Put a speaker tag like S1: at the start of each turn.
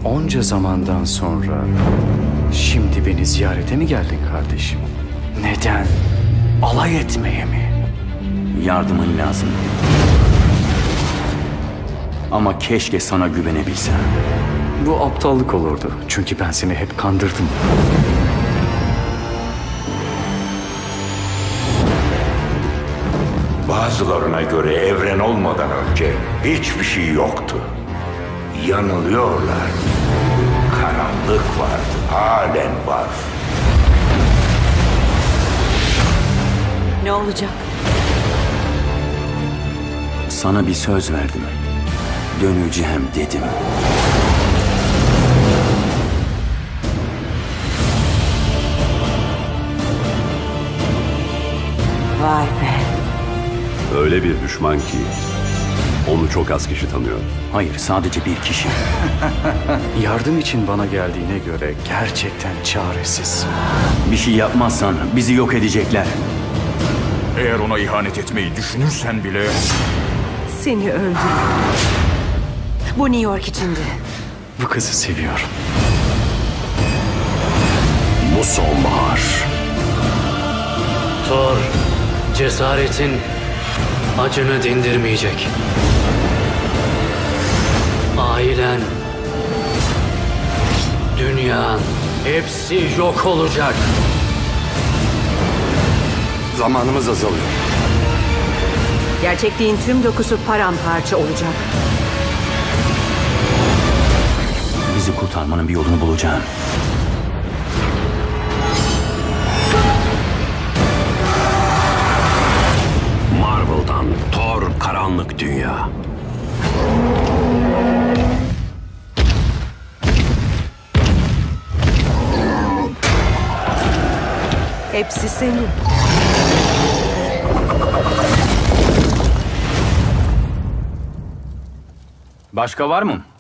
S1: Onca zamandan sonra şimdi beni ziyarete mi geldin kardeşim? Neden? Alay etmeye mi?
S2: Yardımın lazım. Ama keşke sana güvenebilsem.
S1: Bu aptallık olurdu. Çünkü ben seni hep kandırdım.
S3: Bazılarına göre evren olmadan önce hiçbir şey yoktu. Yanılıyorlar. Karanlık vardı, halen var.
S4: Ne olacak?
S2: Sana bir söz verdim. Döneceğim dedim.
S4: Vay be.
S5: Öyle bir düşman ki onu çok az kişi tanıyor.
S2: Hayır, sadece bir kişi.
S1: Yardım için bana geldiğine göre gerçekten çaresiz.
S2: Bir şey yapmazsan bizi yok edecekler.
S6: Eğer ona ihanet etmeyi düşünürsen bile...
S4: Seni öldürürüm. Bu New York içindi.
S1: Bu kızı seviyorum.
S5: Bu sonbahar.
S7: Thor, cesaretin acını dindirmeyecek. Ailen, dünyan, hepsi yok olacak.
S5: Zamanımız azalıyor.
S4: Gerçekliğin tüm dokusu paramparça olacak.
S2: Bizi kurtarmanın bir yolunu bulacağım.
S5: Marvel'dan Thor Karanlık Dünya.
S4: Hepsi senin.
S2: Başka var mı?